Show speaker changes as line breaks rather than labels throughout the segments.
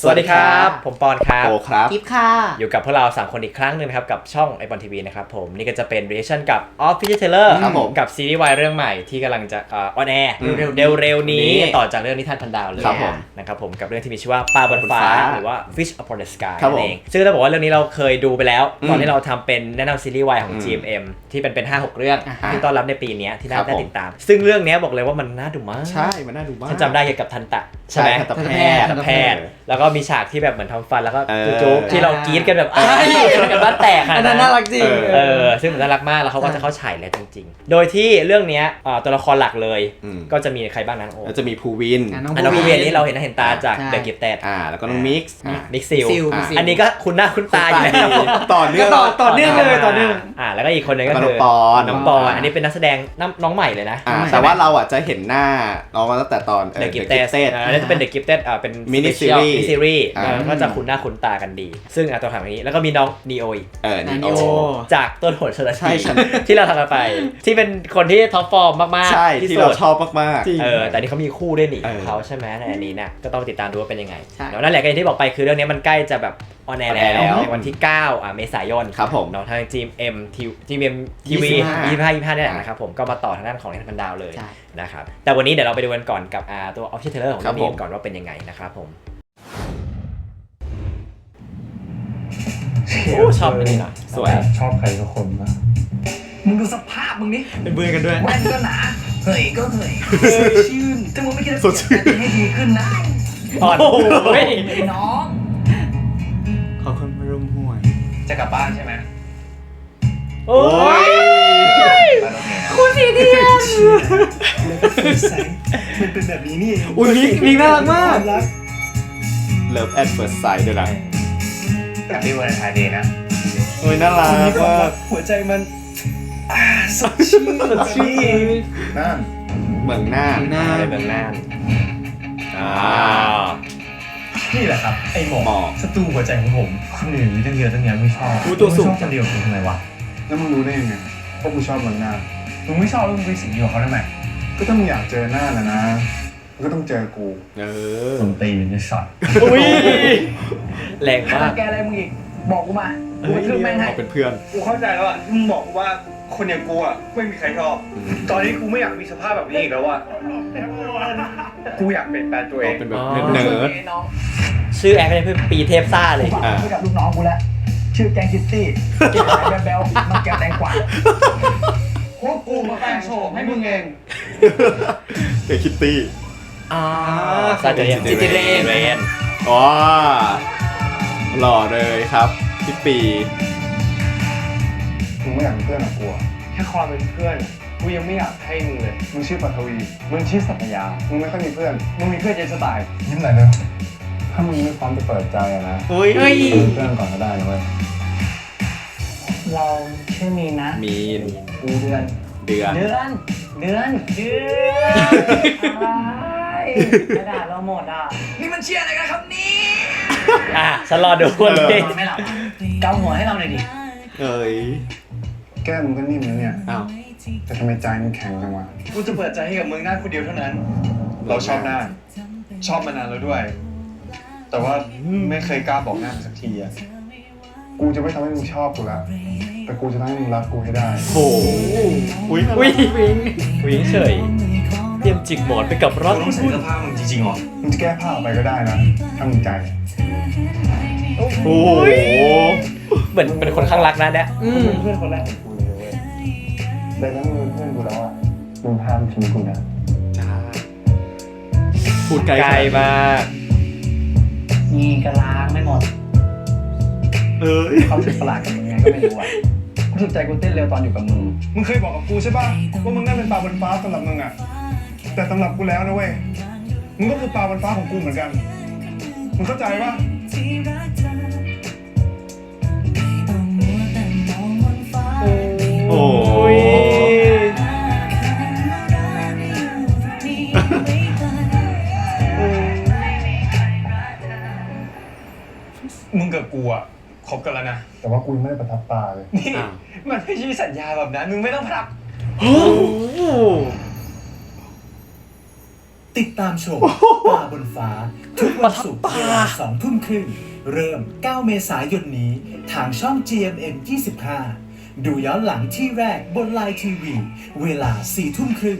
สวัสดีครับผมปอนครับ
โอครับ
กิฟค่ะ
อยู่กับพวกเรา3คนอีกครั้งนึงนะครับกับช่อง iPon TV นะครับผมนี่ก็จะเป็น reaction กับ Official Trailer
ครับผม
กับซีรีส์วายเรื่องใหม่ที่กำลังจะออนแอร์เร็วๆนี้ต่อจากเรื่องนิทานพันดาวเลย
ครับผม
นะครับผมกับเรื่องที่มีชื่อว่าปลาบนฟ้าหรือว่า Fish Upon the Sky
ครับ
นั่
ผม
นเองซึ่งเราบอกว่าเรื่องนี้เราเคยดูไปแล้วตอนที่เราทำเป็นแนะนำซีรีส์วายของ GMM ที่เป็น 5-6 เรื่องที่ต้อนรับในปีนี้ที่น่าติดตามซึ่งเรื่องนี้บอกเลยว่ามันน่าดูมาก
ใช่มันน่าดูมาก
ฉันจำได้เกี่ยวกับทันตะใช่ไหม
ทันตแพทย์
แล้วก็มีฉากที่แบบเหมือนทำฟันแล้วก็
เออ
จุ๊บที่เรากรี๊ดกันแบบกันบ้านแตก
อันนั้นน่ารักจริง
ซึ่งมันน่ารักมากแล้วเขาก็จะเข้าฉายแล้วจริงๆโดยที่เรื่องนี้ตัวละครหลักเลยก็จะมีใครบ้างนั้นโอ้
แล้วจะมีภูวิน
น้องภูวินนี่เราเห็นตาจาก
ใช่
เดอะกิฟเต็ด
แล้วก็น้องมิกซ์
มิกซิล
มิกซิล
อันนี้ก็คุ้นหน้าคุ้นตาอยู่แล้ว
ต่อเนื่อง
ต่อเนื่องเลยต่อเนื่อง
แล้วก็อีกคนนึงก็
แล้วก็
คือ
น้องปอน
อันนี้เป็นนักแสดงน้องใหม่เลยนะ
แต่ว่าเราจะเห็นหน้าน้องมาตั้งแต่ตอน
เดอะกิฟเต็ดอันนี้จะเป็นเดอะกิฟเต็ดเป็น
มินิ
special
ซีรีส์
mini series
อ่า
ก็จะคุ้นหน้าคุ้นตากันดี ซึ่งตัวถามอย่างนี้แล้วก็มีน้องนีโออีก
นี่
นี
โอ
โอ
จากต้นโหดชล
ใช่
ชี
ฉัน
ที่เราทำกันไป ที่เป็นคนที่ท็อปฟอร์มมากๆ
ใช่ที่เรา
สุด
ชอบมาก
แต่นี่เขามีคู่ด้วยนี่
เออ
เขาใช่ไหมในอันนี้เนี่ยก็ต้องติดตามดูว่าเป็นยังไง
ใช่
เนาะนั่นแหละก็อย่างที่บอกไปคือเรื่องนี้มันใกล้จะแบบออนแอร์
ออนแอร์แล้
แล้ว วในวันที่9เมษายน
ครับผม
เนาะทาง GMM TV 25นี่แหละนะครับผมก็มาต่อทางด้านของเนพันดาวเลย
ใช่
นะครับแต่วันนี้เดี๋ยวเราไปดูกันก่อนกับตัว Official Trailer ของ
ครั
เรื่
บ
อง
ผม
นี้ก่อนว่าเป็นยังไงนะครับผมชอบอันนี้หน่อย
สวย
ชอบใครสักคนปะมึงดูสภาพมึงนี่
เป็นเบื่อกันด้วย
แว่นก็หนาเฮ้ยก็เฮ้ยชื่นถ้ามึงไม่คิดจะ
สดชื่น
เปลี่ยนแปลงให้ดีขึ้นนะ
อ่อนโอ้ย
ไอ้น้อง
ขอบคุณพรุมห่วย
จะกลับบ้านใช่ไหม
โอ้ย
ไปโรงเรียนนะ
คุณสีเทียน
แล้วก็ใสมันเป็นแบบนี้นี่เอง
อุ้ยมิกน่ารักมาก
รัก
Love at first sight ด้วยนะ
แต่ที่วันไทยเดย์นะ
โอ้ยน่ารักมาก
หัวใจมันสดชื่นสดชื่นนั่น
เมืองหน้า
ในเมืองน่านอ่า
นี่แหละครับไอ้หม
หม
อ
อก
ศัตรูหัวใจของผมคนอื่นมีตั้งเยอะตั้งแยะไม่ชอบ
อู้ตัวสูง
มึชอบคนเดียวกูทำไมวะ
แล้วมึงรู้ได้ยังไงว่ากูชอบมันหน้า
มึงไม่ชอบแล้วมึงไปสิงอยู่กับเขาทำไม
ก็ถ้ามึงอยากเจอหน้านะนะมึงก็ต้องเจอกู
ส้นตีนในสัตว์
อุ้ยแรงมาก
แกอะไรมึงอีกบอกกูมากูกระทืบแม่งให้
เอาเป็นเพื่อน
กูเข้าใจแล้วอ่ะมึงบอกกูว่าคนอย่างกูอ่ะไม่มีใครชอบ ตอนนี้กูไม่อยากมีสภาพแบบนี้อีกแล้วอ่ะ กูอยากเปลี่ยนแปลงตัวเอง
เป็นแบบ
อ๋อ
เนิร์ด
น้อง
ชื่อแอคก็ได้เพื่อปีเทพซ่าเลย
ฝากไว้กับลูกน้องกูแล้วชื่อแกงคิตตี้กินอะไรแบ๊วๆน้องแกแตงกวา
พวกกูมาแปลงโฉมให้มึงเอง
เกคิตตี้
ซาเจเรียนจิติเรน
อ๋อหล่อเลยครับพี่ปี
มึงไม่อยากเป็นเพื่อนกับกูอะ
แค่ความเป็นเพื่อน กูยังไม่อยากให้มึงเลย
มึงชื่อปัทวี
มึงชื่อสัตยา
มึงไม่ค่อยมีเพื่อน
มึงมีเพื่อนเยอะจะตาย
ยิ้มหน่อยเลย
ถ้ามึงไม่พร้อมจะเปิดใจอะนะ
เฮ้ย
เป็นเพื่อนก่อนก็ได้นะเว้ย
เราชื่อมีนนะ
มีน
เดือน
เดือน
อะไรกระดาษเราหมดอ่ะนี่มันเชียร์อะไรกันครับนี่
ฉันรอดูวันนี้
นอนไม่หลับเกาหัวให้เราหน่อยดิ
เอ้ย
แก้มมึงก็นิ่มนะเนี่ย
อ้าว
แต่ทำไมใจมึงแข็งจังวะ
กูจะเปิดใจให้กับมึงหน้าคนเดียวเท่านั้น เราชอบหน้า ชอบมานานแล้วด้วย แต่ว่าไม่เคยกล้าบอกหน้ามันสักทีอ่ะ
กูจะไม่ทำให้มึงชอบกูละ แต่กูจะทำให้มึงรักกูให้ได้
โอ้อุ้ย
วิ่งเฉยเตรียมจิกหมอนไปกับรถ
กูต้องใส่เสื้อผ้ามึงจริงๆเหรอ
มึงจะแก้ผ้าออกไปก็ได้นะ ถ้ามึงใจ
โอ้โห
เหมือนเป็นคนข้างรักนะเนี่ย
มึงเป็นเพื่อนคนแรกของกูเลยเว้ยดังนั้นมึงเป็นเพื่อนกูแล้วอะมึงห้ามทิ้งกูนะ
จ้าพูดไกล
ไกลมาก
นี่กระลางไม่หมด
เอ้ย
ความรู้สึกประหลาดกับมึงไงก็ไม่รู้อ่ะรู้สึกใจกูเต้นเร็วตอนอยู่กับมึง
มึงเคยบอกกับกูใช่ป่ะว่ามึงน่าเป็นปลาบนฟ้าสำหรับมึงอะแต่สำหรับกูแล้วนะเว้ย มึงก็คือปลาบนฟ้าของกูเหมือนกัน มึงเข้าใจป่ะ
โอ้ย
มึงกับกูอ่ะคบกันแล้วนะ
แต่ว่ากูยังไม่ได้ประทับตาเลย
นี่ มันไม่ใช่สัญญาแบบนั้น มึงไม่ต้องพลัก
โอ้โห
ติด
ติดตามชมป่าบนฟ้าทุกวันศุกร์เวลา2 ทุ่มครึ่งเริ่ม 9 เมษายนนี้ทางช่อง GMM 25 ดูย้อนหลังที่แรกบนไลน์ทีวีเวลา 4 ทุ่มครึ่ง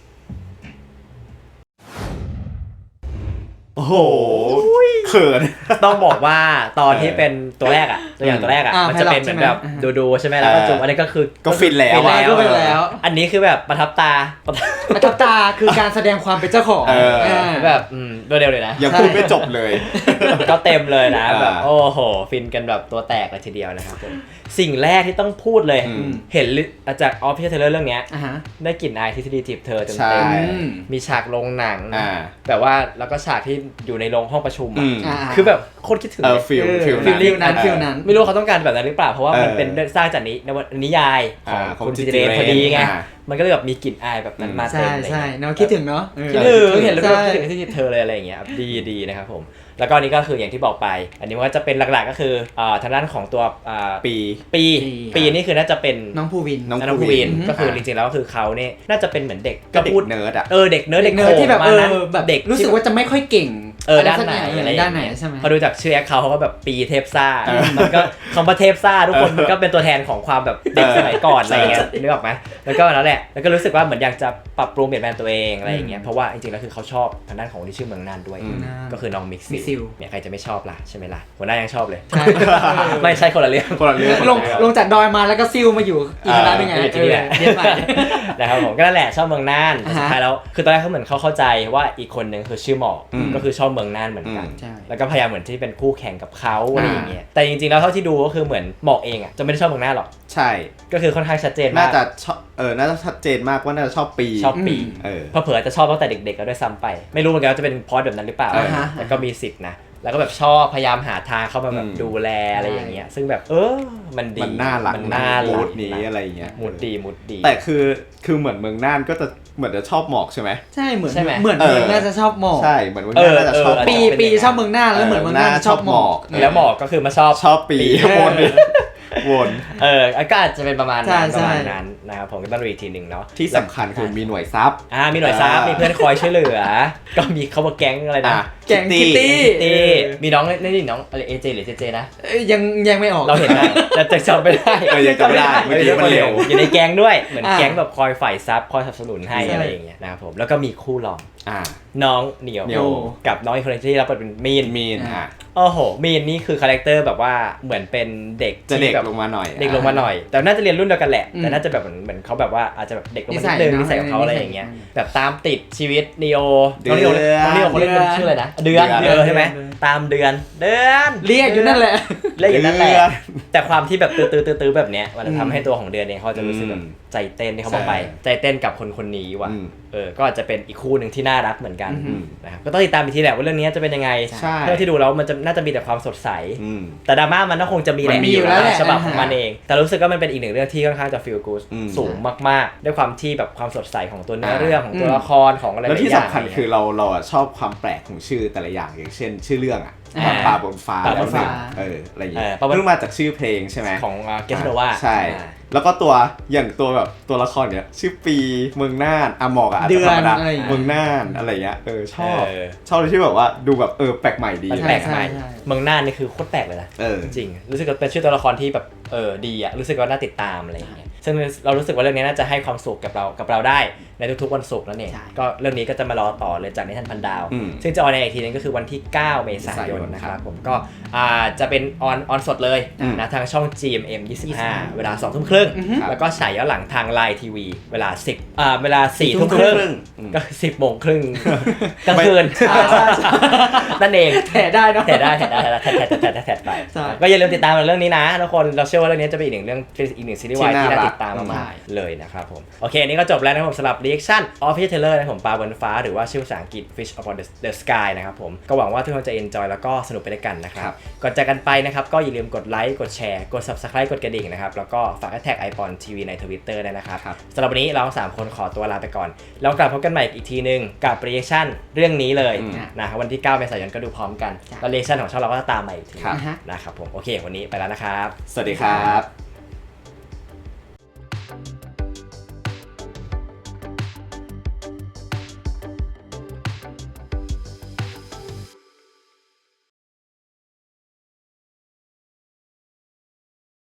โอ้โหเขิน
ต้องบอกว่าตอนที่เป็นตัวแรกอะตัวอย่างตัวแรกอะมันจะเป็นเหมือนแบบดูใช่ไหมแล้วก็จุ๊บอันนี้ก็คือ
ก็ฟินแล้ว
ก็เป็นแล้ว
อันนี้คือแบบประทับตา
ประทับตาคือการแสดงความเป็นเจ้าของ
แบบโดยเร็วเลยนะ
ยังพูดไม่จบเลย
ก็เต็มเลยนะ
อ่า
แบบโอ้โหฟินกันแบบตัวแตกเลยทีเดียวนะครับผมสิ่งแรกที่ต้องพูดเลย เห็นจากออฟฟิเชียลเทเลอร์เรื่องเนี้ย
อ่าฮะ
ได้กลิ่นอายทฤษฎีจีบเธอเต็ม
ใช่
ๆมีฉากโรงหนัง
อ่า
แบบว่าแล้วก็ฉากที่อยู่ในโรงห้องประชุม
อืม
คือแบบโคตรคิดถึงเลย
ฟิล
ฟิล
ฟิลนั้น
ไม่รู้เขาต้องการแบบนั้นหรือเปล่าเพราะว่ามัน
เออ
เป็นสร้างจากนิยายของ
ของ
คุณ
จิ
จิ
ต
เรนพอดีไง
อ่า
มันก็เลยแบบมีกลิ่นอายแบบนั้นมาเต็
ใช่
มเลย
ใช่เนาะคิดถึงเนาะ
คิดถึงเห็นแล้ว
ใช่
คิดถึงที่เธอเลยอะไรอย่างเงี้ยดีนะครับผมแล้วก็อันนี้ก็คืออย่างที่บอกไป อันนี้มันก็จะเป็นหลักๆก็คือทางด้านของตัว
ปี
ปีนี่คือน่าจะเป็น
น้องภูวิน
น้อง
ภูวิน
อืม
ก็คือจริงๆแล้วก็คือเขาเนี่ยน่าจะเป็นเหมือนเด็ก
ก็เด็ก
พูด
เนิร์ดอ่ะ
เด็กเนิร์ด
เด็กเนิร์ดที่แบบ
โผล่มานะ
แบบ
เด็ก
รู้สึกว่าจะไม่ค่อยเก่ง
ด้านไหน
อะไรด้านไหนใช่ไหม
พอดูจากชื่อแอคเขาก็แบบปีเทพซ่า
เออ
มันก็คำว่าเทพซ่าทุกคนมันก็เป็นตัวแทนของความแบบเด็กสมัยก่อนอะไรเงี้ยนึกออกไหมแล้วก็นั่นแหละแล้วก็รู้สึกว่าเหมือนอยากจะปรับปรุงเปลี่ยนแปลงตัวเองอะไรอย่างเงี้ยเพราะว่าจริงๆแล้วคือเขาชอบทางด้านของคนที่ชื่อเมืองน่านด้วย ก็คือน้องมิก
มิกซิ
ซิ
ล
ลเนี่ยใครจะไม่ชอบล่ะใช่ไหมล่ะหัวหน้ายังชอบเลย
ใช่
ไม่ใช่คนละเรื่อง
คนละเรื่อง
ลงจากดอยมาแล้วก็ซิลมาอยู่อีกคณะหนึงไง
อยู่ที่นี่แหละ
เรียนใหม่
นะครับผมก็นั่นแหละชอบเมืองน่านแต่
อ่าฮะ
สุดท้ายแล้วคือตอนแรกเขาเหมือนเขาเข้าใจว่าอีกคนนึงคือชื่อหมอก
อืม
ก็คือชอบเมืองน่านเหมือนกัน
ใช่
แล้วก็พยายามเหมือนที่เป็นคู่แข่งกับเขาอะไรอย่างเงี้ยแต่จริงๆแล้วเท่าที่ดูก็คือเหมือนหมอกเองอ่ะจะไม่ได้ชอบเมืองน่านหรอก
ใช่
ก็คือค่อนข้างชัดเจน
น่าม
าก
จะชอบน่าจะชัดเจนมากว่าน่าจะชอบปี
ชอบปี เผลอๆจะชอบตั้งแต่เด็กๆแล้วด้วยซ้ำไปไม่รู้เหมือนกันว่าจะเป็นพอดแบบนั้นหรือเปล่า
อ่าฮะ
แต่ก็มีสิทธิ์นะแล้วก็แบบชอบพยายามหาทางเข้ามาแบบดูแลอะไรอย่างเงี้ยซึ่งแบบมันดี
มันน่ารัก
มันน่ารั
มู
ก
ดนี้อะไรอย่างเงี้ย
มูดดี
แต่คือเหมือนเมืองน่านก็จะเหมือนจะชอบหมอกใช่ไหม
ใช่เหมือน
ใช่ไหม
เหมือน
เออ
เมืองน่าจะชอบหมอก
ใช่เหมือนเมืองน่านน่าจะชอบหมอก
ปีชอบเมืองน่านแล้วเหมือนเมืองน่านชอบหมอก
แล้วหมอกก็คือมาชอบ
ชอบปีวนวน
ก็อาจจะเป็นประมาณ
ใช่
นั้น
ใช่
ประมาณนั้นนะครับผมก็ต้องดูอีกทีหนึ่งเนาะ
ที่สำคัญคือมีหน่วยซับ
มีหน่วยซับมีเพื่อนคอยช่วยเหลือ ก็มีเขาบอกแก๊งอะไรนะ
แก๊งคิตตี้
ตี้มีน้องนี่น้องอะไรเอเจหรือเจเจนะ
ยังไม่ออก
เราเห็นนะแต่จำไม่ได้
ยังจำไม่ได้เมื่อกี้มันเร็ว
อยู่ในแก๊งด้วยเหมือน
อ่า
แก๊งแบบคอยฝ่ายซับคอยสนับสนุนให้
ใช่
อะไรอย่างเงี้ยนะครับผมแล้วก็มีคู่รอง
อ่า
น้องเหนียว
เหนียว
กับน้องอีกคนที่รับบทเป็นมีน
มีนอ่ะ
โอ้โหมีนนี่คือคาแรคเตอร์แบบว่าเหมือนเป็นเด็ก
จะเด็ก
ที่แบบ
ลงมาหน่อย
เด็กลงมาหน่อย แต่น่าจะเรียนรุ่นเดียวกันแหละ
อืม
แต่น่าจะแบบเหมือนเขาแบบว่าอาจจะแบบเด็กลงมา
นิสั
นิ
ย
ดนึง
เนอะ
นิสัยของเขาอะไรอย่างเงี้ย
นิสัย
แบบตามติดชีวิตนีโอ
เดื
น้
อน
องนีโอเขาเล่นเป็นชื่ออะไรนะเดือน
เดือน
ใช่ไหม
เดือน
ตามเดือน
เรียกอยู่นั่นแหละ
เรียกอยู่นั่นแหละ
เดือน
แต่ความที่แบบตื้อแบบเนี้ยมันจะทำให้ตัวของเดือนเองเขาจะรู้สึกแบบ
อืม
ใจเต้นที่เขาบอกไป
ใช่
ใจเต้นกับคนนี้ว่ะ
อืม
ก็อาจจะเป็นอีกคู่หนึ่งที่น่ารักเหมือนกัน
อืม
นะครับก็ต้องติดตามอีกทีแหละว่าเรื่องนี้จะเป็นยังไง
ใช่
เท่าที่ดูแล้วมันจะน่าจะมีแต่ความสดใส
อืม
แต่ดราม่ามันก็คงจะมีแหละ
มันมีอยู่แล้วแหละ
ฉบับของมันเอง แต่รู้สึกว่ามันเป็นอีกหนึ่งเรื่องที่ค่อนข้างจะ feel good
อืม
สูงมากๆ ด้วยความที่แบบความสดใสของตัวเนื้อ
อ่า
เรื่องของตัวละครของอะไรห
แล้ว
ลาย
ที่
อย่าง
สำคัญคือเราอะชอบความแปลกของชื่อแต่ละอย่างอย่างเช่น ชื่อเรื่องอ่ะ
อ่า
ปลาบนฟ้า
ปลาบ
แล้ว
น
หนึ่
ฟ้า
งอะไรอย่างเงี้ย
ปลาบน
เพิ่งมาจากชื่อเพลงใช่ไหม
ของเกสโนวา
ใช่ แล้วก็ตัวอย่างตัวแบบตัวละครเนี้ยชื่อปีเมืองน่านหมอกอะอาจจะธรรมดา
เดือนอะไรอย่างเงี้ย
เมืองน่านอะไรเงี้ยชอบ
เออ
ชอบเลยที่แบบว่าดูแบบแปลกใหม่ดี
มันแปลกใหม่
ใช่
เมืองน่านนี่คือโคตรแปลกเลยนะ จริงๆรู้สึกว่าเป็นชื่อตัวละครที่แบบดีอะรู้สึกว่าน่าติดตามอะไรอย่างเงี้ยซึ่งเรารู้สึกว่าเรื่องนี้น่าจะให้ความสุขกับเราได้ในทุกๆวันศุกร์นั่นเอง
ใช่
ก็เรื่องนี้ก็จะมารอต่อเลยจากนิทานพันดาว
อืม
ซึ่งจะออนในอีกทีนึงก็คือวันที่ 9 เมษายนนะครับผมก็จะเป็นออนสดเลย
อืม
นะทางช่อง GMM 25 เวลา 2 ทุ่มครึ่ง
อือฮึ
แล้วก็ฉายย้อนหลังทางไลน์ทีวีเวลาเวลา 4 ทุ่มครึ่ง
อืม
ก็ 10 โมงครึ่งกลางคืน
ใช่ใช่ใช่
นั่นเอง
แถได้เนาะ
แถดได้แถดไป
ใช่
ก็อย่าลืมติดตามเรื่องนี้นะทุกคนเราเชื่อว่าเรื่องนี้จะเป็นอีกหนึ่งเรื่องเป็นอีกหนึ่งซีรีส์วาย
ที่
ที่
น่า
น่า
รัก
ติดตามมากๆเลยนะครับผมโอเคอันนี้ก็จบแล้วนะครับผมสำหรับ reaction Official Trailer นะครับผมปลาบนฟ้าหรือว่าชื่อภาษาอังกฤษ Fish Upon the Sky นะครับผมก็หวังว่าทุกคนจะ enjoy แล้วก็สนุกไปด้วยกันนะครับก่อนจากกันไปนะครับก็อย่าลืมกดไลค์กดแชร์กด Subscribe กดกระดิ่งนะครับแล้วก็ฝากแท็ก iPon TV ใน Twitter ด้วยนะครับสำหรับวันนี้เราสามคนขอตัวลาไปก่อนแล้วกลับพบกันใหม่อีกทีนึงกับ reaction เรื่องนี้เลยนะครับวันที่ 9 เมษายนก็ดูพร้อมกันแล้ว reaction ของช่องเราก็จะตามมาอีกทีนะครับผมโอเควันนี้ไปแล้วนะครับ
สวัสดีครับ